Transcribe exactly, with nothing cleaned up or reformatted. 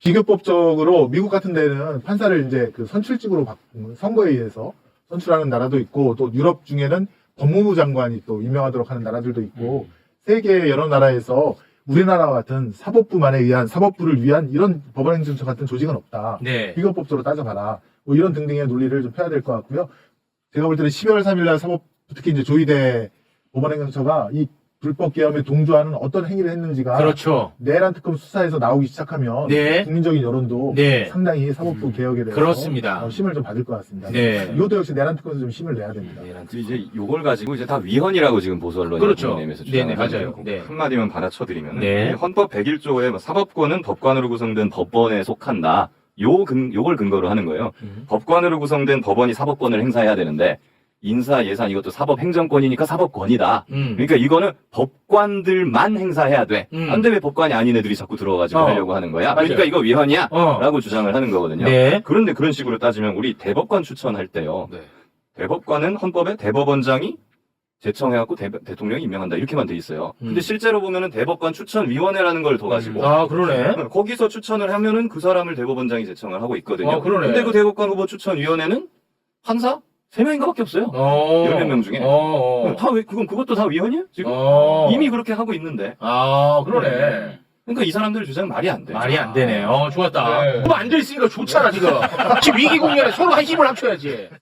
비교법적으로 미국 같은 데는 판사를 이제 그 선출직으로 바, 선거에 의해서 선출하는 나라도 있고, 또 유럽 중에는 법무부 장관이 또 임명하도록 하는 나라들도 있고, 음. 세계 여러 나라에서 우리나라와 같은 사법부만에 의한, 사법부를 위한 이런 법원행정처 같은 조직은 없다. 네. 비교법적으로 따져봐라. 뭐 이런 등등의 논리를 좀 펴야 될 것 같고요. 제가 볼 때는 십이월 삼일날 사법, 특히 이제 조희대 법원행정처가 이 불법 계엄에 동조하는 어떤 행위를 했는지가 그렇죠. 내란 특검 수사에서 나오기 시작하면 네. 국민적인 여론도 네. 상당히 사법부 음. 개혁에 대해서 그렇습니다. 어, 힘을 좀 받을 것 같습니다. 네. 이것도 역시 내란 특검에서 좀 힘을 내야 됩니다. 그 이제 요걸 가지고 이제 다 위헌이라고 지금 보수 언론이 그렇죠. 국민의힘에서 네네, 주장을 맞아요. 하는데요. 네. 한마디만 받아쳐드리면 네. 헌법 백일조에 뭐 사법권은 법관으로 구성된 법원에 속한다. 요 근, 요걸 근거로 하는 거예요. 음. 법관으로 구성된 법원이 사법권을 행사해야 되는데 인사, 예산 이것도 사법행정권이니까 사법권이다. 음. 그러니까 이거는 법관들만 행사해야 돼. 음. 근데 왜 법관이 아닌 애들이 자꾸 들어가지고 어. 하려고 하는 거야? 맞아요. 그러니까 이거 위헌이야? 어. 라고 주장을 하는 거거든요. 네. 그런데 그런 식으로 따지면 우리 대법관 추천할 때요. 네. 대법관은 헌법에 대법원장이 제청해갖고 대, 대통령이 임명한다 이렇게만 돼 있어요. 음. 근데 실제로 보면은 대법관 추천위원회라는 걸 둬가지고 아, 그러네. 거기서 추천을 하면은 그 사람을 대법원장이 제청을 하고 있거든요. 아, 그러네. 근데 그 대법관 후보 추천위원회는 판사 세 명인가밖에 없어요. 어. 열몇 명 중에. 어. 어. 다 왜, 그건 그것도 다 위헌이야? 지금 어. 이미 그렇게 하고 있는데. 아, 그러네. 그러니까 이 사람들 주장 말이 안 돼. 말이 안 되네. 어, 좋았다. 네. 그럼 안 돼 있으니까 좋잖아, 지금. 지금 위기 국면에 서로 한 힘을 합쳐야지.